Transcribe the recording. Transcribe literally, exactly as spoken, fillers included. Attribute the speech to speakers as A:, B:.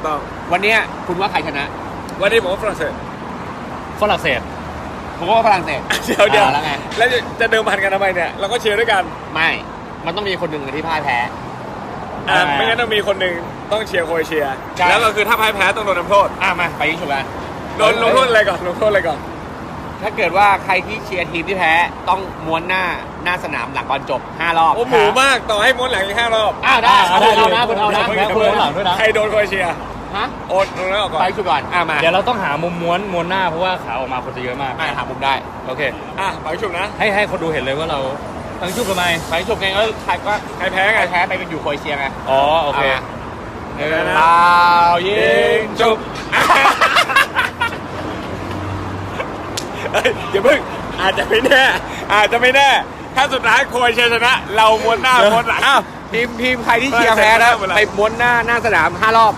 A: ต้อง
B: วันเนี้ยคุณว่าใครชนะ
A: วันนี้ผมว่าฝรั่งเศส
C: ฝรั่งเศส
B: ผมว่าฝรั่งเศส
A: เดี๋ยวเดี๋ยว
B: อ่าแล้วไง
A: แล้วจะจะเดิมพันกันทำไมเนี่ยเราก็เชียร์ด้วยกัน
B: ไม่ มันต้องมีคนหนึ่งที่พ่ายแพ้
A: อ่า
C: อ่า
A: ไม่งั้นต้องมีคนหนึ่งต้องเชียร์โครเอเชีย
B: ใช่
A: แล้วก็คือถ้าพ่ายแพ้ต้องโดนทำโทษ
B: อ่ะมาไปยิงฉุบกัน
A: โดนลงโทษอะไรก่อนลงโทษอะไรก่อน
B: ถ้าเกิดว่าใครที่เชียร์ทีมที่แพ้ต้องม้วนหน้าหน้าสนามหลังบอลจบห้ารอบ
A: โอ้หมูมากต่อให้ม้วนหลังอีกห้ารอบ
B: อ้าวได้
C: อ่า
B: เอา
C: ได้
B: เอานะ
C: ได้
B: คุณเอานะ
C: ได้ คุณเอาหลังด้วยนะ
A: ใครโดนโครเอเชีย
B: ฮะ
A: โอนลงแล้วออกก่อน
B: ไปฉุบก่อนอ่ะมา
C: เดี๋ยวเราต้องหามุมม้วนม้วนหน้าเพราะว่าขาออกมาคนจะเยอะมาก
B: อ่ะหามุมได้
C: โอเค
A: อ่ะไปชุบนะ
C: ให้ให้คนดูเห็นเลยว่าเราตั้งชุบทำไม
B: ไปฉุบไงก็ใครก็
A: ใครแพ้ไง
B: ใครแพ้ไปเป็นอยู่โครเอเชียไง
C: อ๋อโอเค
B: า
C: เออ
A: นะ
B: เปล่ายิงฉุบ
A: เฮ้ยอย่าเพิ่งอาจจะไม่แน่อาจจะไม่แน่ ถ้าสุดท้ายโครเอเชียชนะ เราม้วนหน้าม้วนหลัง
B: อ้าวทีมทีมใครที่เชียร์แพ้นะ
A: ฝรั่งเศส
B: ไปม้วนหน้าหน้าสนามห้ารอบ